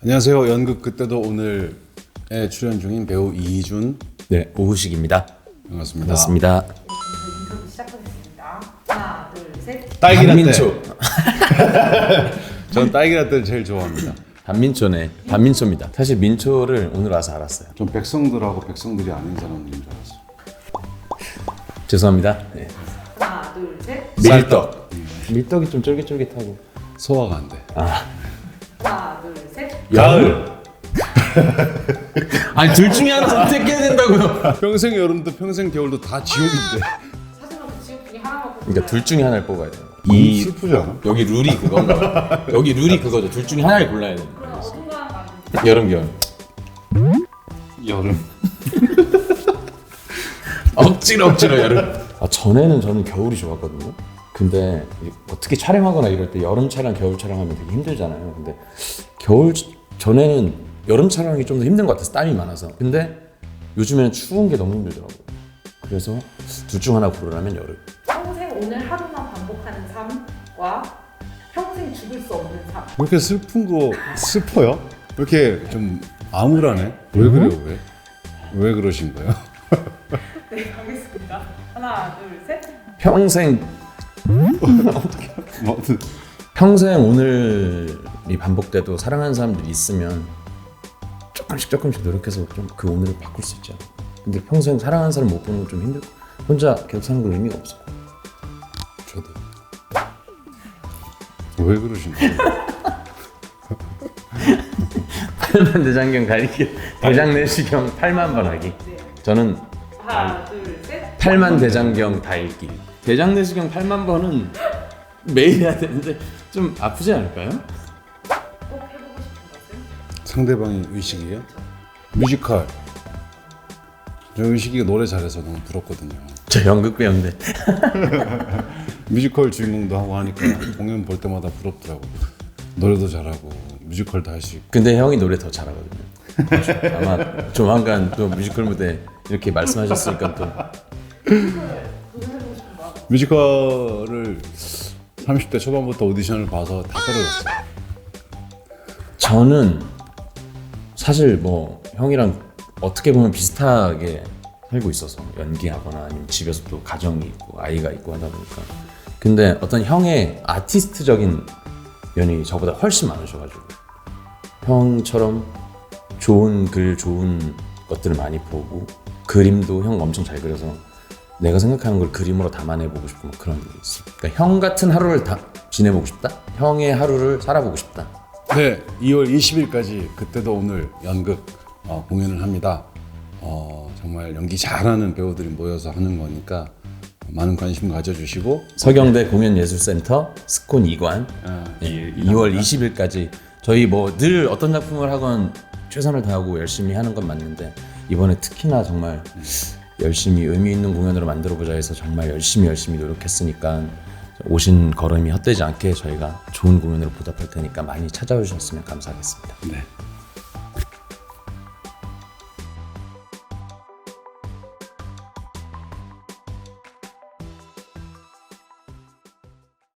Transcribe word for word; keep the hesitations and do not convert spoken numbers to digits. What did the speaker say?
안녕하세요. 연극 그때도 오늘에 출연 중인 배우 이희준. 네, 오후식입니다. 반갑습니다. 반갑습니다. 인터뷰 시작하겠습니다. 하나, 둘, 셋. 딸기라떼. 반민초. 전 딸기라떼를 제일 좋아합니다. 반민초네. 반민초입니다. 사실 민초를 오늘 와서 알았어요. 전 백성들하고 백성들이 아닌 사람들인 줄 알았어요. 죄송합니다. 네. 하나, 둘, 셋. 밀떡. 밀떡이 좀 쫄깃쫄깃하고. 소화가 안 돼. 아, 하나, 둘, 셋. 가을. 아니 둘 중에 하나 선택해야 된다고요. 평생 여름도 평생 겨울도 다 지옥인데. 하지만 그 지역 중에 하나만 뽑아야 그러니까 둘 중에 하나를 뽑아야 돼요. 이 슬프지 않아? 여기 룰이 그건가 봐. 여기 룰이 그거죠. 둘 중에 하나를 골라야 돼요. 그럼 어딘가 가는 여름 겨울. 여름. 억지로 억지로 여름. 아, 전에는 저는 겨울이 좋았거든요. 근데 어떻게 촬영하거나 이럴 때 여름 촬영, 겨울 촬영하면 되게 힘들잖아요. 근데 겨울 전에는 여름 촬영이 좀 더 힘든 것 같아서 땀이 많아서. 근데 요즘에는 추운 게 너무 힘들더라고요. 그래서 둘 중 하나 고르라면 여름. 평생 오늘 하루만 반복하는 삶과 평생 죽을 수 없는 삶. 왜 이렇게 슬픈 거 슬퍼요? 왜 이렇게 좀 암울하네? 왜 그래요? 왜? 왜 그러신 거예요? 네, 가겠습니다. 하나, 둘, 셋. 평생 뭐, 평생 오늘이 반복돼도 사랑하는 사람들이 있으면 조금씩 조금씩 노력해서 좀 그 오늘을 바꿀 수 있잖아. 근데 평생 사랑하는 사람 못 보는 건 좀 힘들고 혼자 계속 사는 건 의미가 없어. 저도. 왜 그러신 거예요? 팔만 대장경 가리기 대장 내시경 팔만 번 하기. 네. 저는 하나, 둘, 셋. 팔만 대장경 다 읽기. 대장 내시경 팔만 번은 매일 해야 되는데 좀 아프지 않을까요? 꼭 해보고 싶은 것은? 상대방이 의식이에요? 뮤지컬. 저 의식이가 노래 잘해서 너무 부럽거든요. 저 연극 배우인데. 뮤지컬 주인공도 하고 하니까 공연 볼 때마다 부럽더라고요. 노래도 잘하고 뮤지컬도 할 수 있고. 근데 형이 노래 더 잘하거든요. 아마 조만간 또 뮤지컬 무대 이렇게 말씀하셨으니까 또 도전해보고 싶은 거. 뮤지컬을 삼십 대 초반부터 오디션을 봐서 다 떨어졌어요. 저는 사실 뭐 형이랑 어떻게 보면 비슷하게 살고 있어서 연기하거나 아니면 집에서 또 가정이 있고 아이가 있고 하다 보니까. 근데 어떤 형의 아티스트적인 면이 저보다 훨씬 많으셔가지고 형처럼 좋은 글, 좋은 것들을 많이 보고 그림도 형 엄청 잘 그려서 내가 생각하는 걸 그림으로 담아내보고 싶고 뭐 그런 게 있어. 그러니까 형 같은 하루를 다 지내보고 싶다. 형의 하루를 살아보고 싶다. 네, 이월 이십일까지 그때도 오늘 연극 어, 공연을 합니다. 어, 정말 연기 잘하는 배우들이 모여서 하는 거니까 많은 관심 가져주시고 서경대 공연예술센터 스콘 이 관 어, 예, 이월 이십일까지 저희 뭐 늘 어떤 작품을 하건 최선을 다하고 열심히 하는 건 맞는데 이번에 특히나 정말 열심히 의미 있는 공연으로 만들어보자 해서 정말 열심히 열심히 노력했으니까 오신 걸음이 헛되지 않게 저희가 좋은 공연으로 보답할 테니까 많이 찾아오셨으면 감사하겠습니다. 네.